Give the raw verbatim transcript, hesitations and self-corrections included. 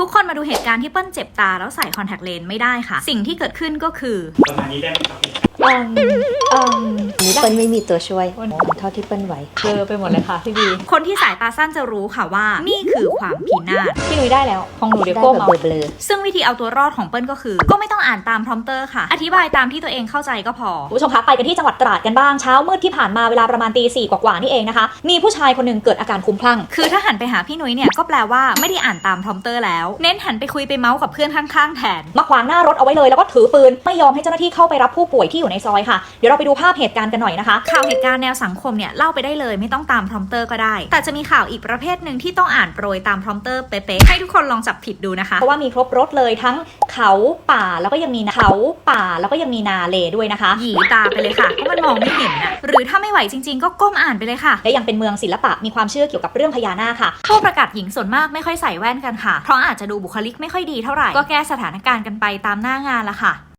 ทุกคนมาดูเหตุการณ์ที่เปิ้ลเจ็บตาแล้วใส่คอนแทคเลนส์ไม่ได้ค่ะสิ่งที่เกิดขึ้นก็คือประมาณนี้ได้ไหมครับอืมอืมนี่เปิ้ลไม่มีตัวช่วยเท่าที่เปิ้ลไหวเจอไปหมดเลยค่ะพี่บีคนที่สายตาสั้นจะรู้ค่ะว่านี่คือความพินาศพี่นุ้ยได้แล้วของหนูเดี๋ยวได้ก้มแบบเอาเบลอซึ่งวิธีเอาตัวรอดของเปิ้ลก็คือก็ไม่ต้องอ่านตามพรอมเตอร์ค่ะอธิบายตามที่ตัวเองเข้าใจก็พอคุณผู้ชมคะไปกันที่จังหวัดตราดกันบ้างเช้ามืดที่ผ่านมาเวลาประมาณตีสี่กว่าๆนี่เองนะคะมีผู้ชายคนหนึ่งเกิดอาการคลุ้มคลั่งคือถ้าหันไปหาพี่นุ้ยเนี่ยก็แปลว่าไม่ได้อ่านตามพรอมเตอร์แล้วเน้นหันไปคุยไปเมาส์กับเพื่อนข้างๆแทนมาขวางหน้ารถเอาไว้เลยแล้วก็ถือปืนไม่ยอมให้เจ้าหน้าที่เข้าไปรับผู้ป่วยที่อยู่ในซอยค่ะเดี๋ยวเราไปดูภาพเหตุการณ์กันหน่อยนะคะข่าวเหตุการณ์แนวสังคมเนี่ยเล่าไปได้เลยไม่ต้องตามพรอมเตอร์ก็ได้แต่จะมีข่าวอีกประเภทหนึ่งที่ต้องอ่านโปรยตามพรอมเตอร์เป๊ะๆให้ทุกคนลองจับผิดดูนะคะเพราะว่ามีครบรถเลยทั้งเขาป่าแล้วก็ยังมีเขาป่าแล้วก็ยังมีนาเลด้วยนะคะหยีตาไปเลยค่ะเพราะมันมองไม่เห็นนะหรือถ้าไม่ไหวจริงๆก็ก้มอ่านไปเลยค่ะและยังเป็นเมืองศิลปะมีความเชื่อเกี่ยวกับเรื่องพญานาคค่ะผู้ประกาศหญิงส่วนมากไม่ค่อยใส่แว่นกันค่ะเพราะอาจจะดูบุคลิกไม่ค่อยดีเท่าไหร่ก็แก้สถานการณ์กันไปตามหน้างานละค่ะ